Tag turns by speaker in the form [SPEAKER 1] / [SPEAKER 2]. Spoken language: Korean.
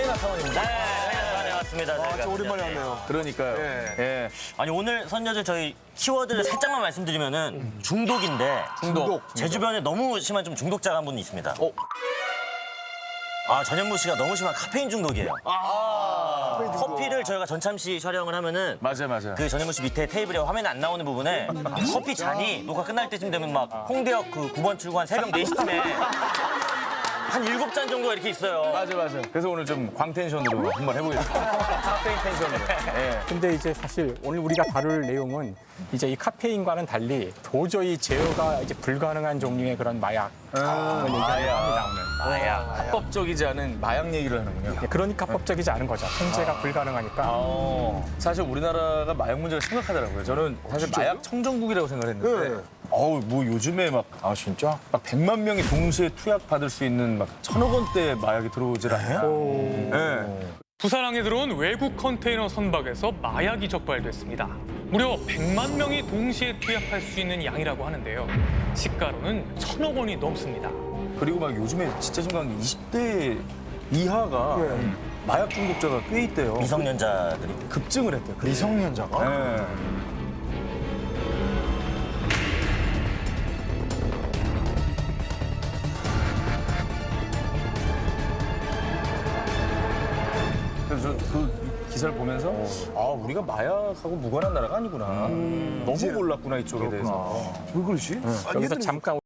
[SPEAKER 1] 최경환 사원입니다.
[SPEAKER 2] 네, 왔습니다.
[SPEAKER 3] 진짜 오랜만에 왔네요.
[SPEAKER 1] 그러니까요.
[SPEAKER 3] 예.
[SPEAKER 2] 아니 오늘 선녀들 저희 키워드를 살짝만 말씀드리면은 중독인데
[SPEAKER 3] 중독.
[SPEAKER 2] 제 주변에 너무 심한 좀 중독자가 한 분 있습니다. 전현무 씨가 너무 심한 카페인 중독이에요. 커피를 저희가 전참시 촬영을 하면은
[SPEAKER 1] 맞아요.
[SPEAKER 2] 그 전현무 씨 밑에 테이블에 화면에 안 나오는 부분에 커피 잔이 녹화 끝날 때쯤 되면 막 홍대역 그 9번 출구한 새벽 4시쯤에 한 7잔 정도가 이렇게 있어요.
[SPEAKER 1] 맞아. 그래서 오늘 좀 광텐션으로 한번 해보겠습니다. 카페인 텐션으로. 예.
[SPEAKER 4] 근데 이제 사실 오늘 우리가 다룰 내용은 이제 이 카페인과는 달리 도저히 제어가 이제 불가능한 종류의 그런 마약을 얘기합니다 오늘.
[SPEAKER 1] 합법적이지 않은 마약 얘기를 하는군요.
[SPEAKER 4] 그러니까 합법적이지 않은 거죠. 통제가 불가능하니까.
[SPEAKER 1] 사실 우리나라가 마약 문제가 심각하더라고요. 저는 사실 마약 청정국이라고 생각을 했는데 뭐 요즘에 막
[SPEAKER 3] 진짜?
[SPEAKER 1] 막 100만 명이 동시에 투약 받을 수 있는 막 1,000억 원대 마약이 들어오질 않아요? 네.
[SPEAKER 5] 부산항에 들어온 외국 컨테이너 선박에서 마약이 적발됐습니다. 무려 100만 명이 동시에 투약할 수 있는 양이라고 하는데요. 시가로는 1,000억 원이 넘습니다.
[SPEAKER 1] 그리고 막 요즘에 진짜 심각한 게 20대 이하가 마약 중독자가 꽤 있대요.
[SPEAKER 2] 미성년자들이.
[SPEAKER 1] 급증을 했대요.
[SPEAKER 3] 미성년자가?
[SPEAKER 1] 네. 그래서 저 그 기사를 보면서 우리가 마약하고 무관한 나라가 아니구나. 너무 몰랐구나 이쪽에 대해서.
[SPEAKER 3] 왜 그러지?
[SPEAKER 4] 여기서 잠깐